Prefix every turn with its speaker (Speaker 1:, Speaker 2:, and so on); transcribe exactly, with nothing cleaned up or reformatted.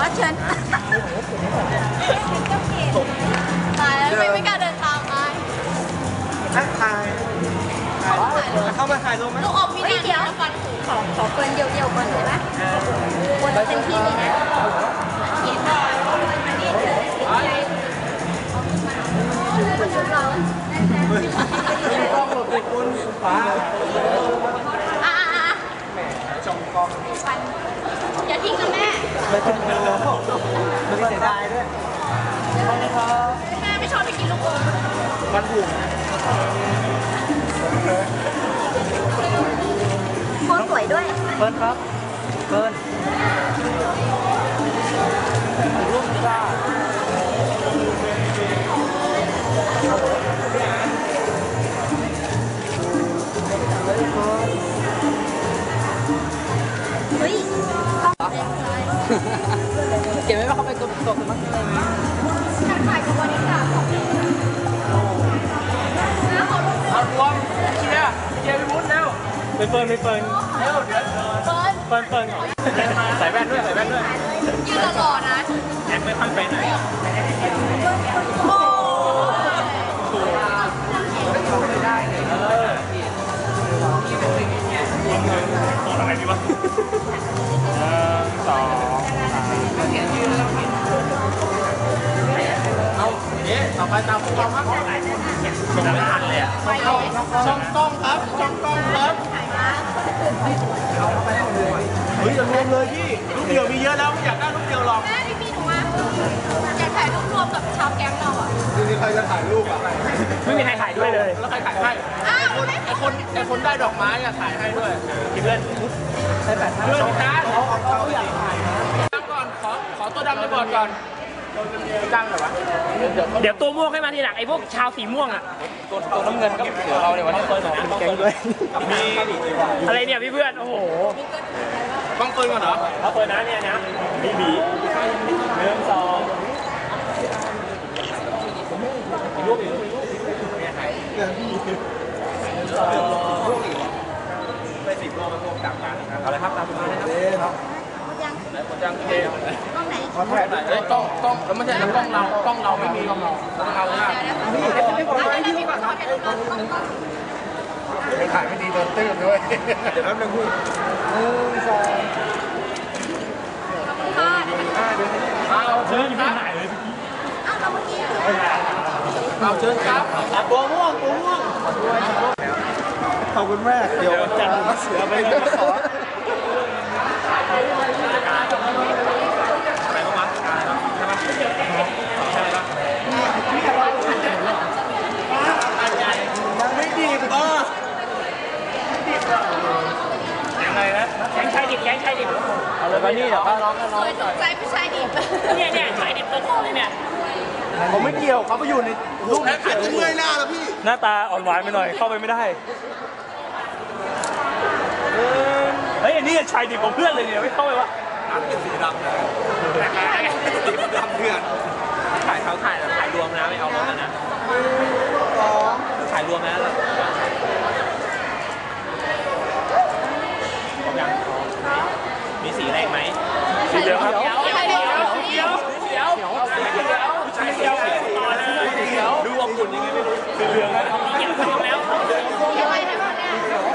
Speaker 1: รับเชิญตายแล้วไม่ไม่กล้าเดินตามไป
Speaker 2: ถ่ายถ่ายเข้ามาถ่ายรูปไหม
Speaker 1: ลูกอมมีนาเดียวฟันหูขอขอเปิดเดี่ยวๆก่อนเลยไหมคนเต็มที่เลยนะเห็นได้อันนี้เฉยคนชุดเรา
Speaker 2: กล้องหลบติดคุณฟ้า
Speaker 1: อ่า
Speaker 2: แหมจงกล้อง
Speaker 1: อย่าทิ้งนะแม่
Speaker 2: ไม่ต้องดูไม่เสียดายด้วย
Speaker 1: แม่ไม่ชอบไปกินลูกอม
Speaker 2: มันถูก
Speaker 1: โคตรสวยด้วย
Speaker 2: เฟิร์นครับเฟิร์นรูปจ้า
Speaker 1: เฮ้ย
Speaker 2: เก็บไว้ว่าเขาไปกดตกมั้งอะไรไหม
Speaker 1: ฉันถ่ายกับวันนี้ค่ะ
Speaker 2: เอารวมเชียร์เชียร์พี่มุ้นเร็วไปเฟิร์นไปเฟิร์นเร็วเดี๋ยวเฟิร์นเฟิร์นเฟิร์นก่อนใส่แว่นด้วยใส่แว่นด้วย
Speaker 1: ยืนหล่อๆนะ
Speaker 2: แอนไม่ค่อยไปไหน
Speaker 1: โอ้
Speaker 2: ไม่ได้เลยเออต่ออะไรดีวะสองเอาเอ๊ะต่อไปตามพวกเราครับชมไม่ทันเลยอ่ะช่องกล้องครับช่องกล้องครับเฮ้ยอย่ารวมเลยพี่ลูกเดียวมีเยอะแล้วไม่อยากได้ลูกเดียวหรอก
Speaker 1: แม่พี่พี่หนูมาอยากถ่ายรูปรวมกับชาวแก๊งเราอ่ะ
Speaker 2: จริงๆใครจะถ่ายรูปอ่ะไม่มีใครถ่ายด้วยเลยแล้วใครถ่ายให้ไอ้คนไอ้คนไอ้คนได้ดอกไม้อ่ะถ่ายให้ด้วยเพื่อนใช่แบบเพื่อนกันเขาเขาอยากถ่ายตั้งก่อนขอขอตัวดำในบอร์ดก่อนตั้งหน่อยวะ
Speaker 3: เดี๋ยวตัวม่วงให้มาทีหลังไอ้พวกชาวสีม่วงอ่ะ
Speaker 2: ตัวตัวน้ำเงินก็เดี๋ยวเราเนี่ยวันนี้เปิดหน่อยแก๊งด้วยมี
Speaker 3: อะไรเนี่ยพี่เพื่อนโอ้โห
Speaker 2: ต้องเปิดก่อนเหรอ
Speaker 3: เขาเปิดนะเนี่ยนะบีบีหนึ่งสองรูปอีกรูปอีกรูป
Speaker 2: ไปสิบโลมาพวกกลับกันเอาเลยครับตามมาเลยครับ
Speaker 1: หมดยัง
Speaker 2: หมดยังเท
Speaker 1: กล้องไหน
Speaker 2: ขอถ่ายหน่อยเอ้ยกล้องกล้องแล้วไม่ใช่แล้วกล้องเรากล้องเราไม่มีกล้องเราต้องเอาเลยนะ
Speaker 1: พี่ไม่บอกไม่พี่บอก
Speaker 2: ถ่ายไม่ดีโดนตื้นด้วยเดี๋ยวแป๊บนึงพี่หนึ่งสอง
Speaker 1: ค่ะ
Speaker 2: เอาเชิญครับถ่ายเลย
Speaker 1: อ้าวเราเมื่อกี้
Speaker 2: เอาเชิญครับตัวม่วงตัวม่วงขอบคุณแม่เดี๋ยวจันเสือไปเลยขออะไรบ้างวะใช่ไหมใช่ไหมยังไม่ดีบเออยังไงนะ
Speaker 3: แกงชายดิบแกงชายดิบ
Speaker 2: เอาเลยไปนี่เดี๋ยวน้องน้อง
Speaker 1: ใจผู้ชายดิบ
Speaker 3: เนี่ยเนี่ยชายดิบตัวโตเลยเนี่ย
Speaker 2: ผมไม่เกี่ยวเขาไปอยู่ในรูปนั้นถ่ายรูปเมื่อยหน้าแล้วพี่
Speaker 3: หน้าตาอ่อนหวานไปหน่อยเข้าไปไม่ได้เฮ้ยอันนี้ชายดิบของเพื่อนเลยเนี่ยไม่เข้าไปวะ
Speaker 2: เป็นสีดำเลยสีดำเพื่อนถ่ายเขาถ่ายถ่ายรวมนะไม่เอารวมนะถ่ายรวมนะยังมีสีแรงไหม
Speaker 3: สีเดียวครับ
Speaker 1: เขียวเขียวเขียว
Speaker 3: เขียวเขียวผู้ชายเขียวต่อเลย
Speaker 2: ดูอบอุ่นยังไงไม่รู้
Speaker 3: สีเหลืองนะเขียวทองแล้ว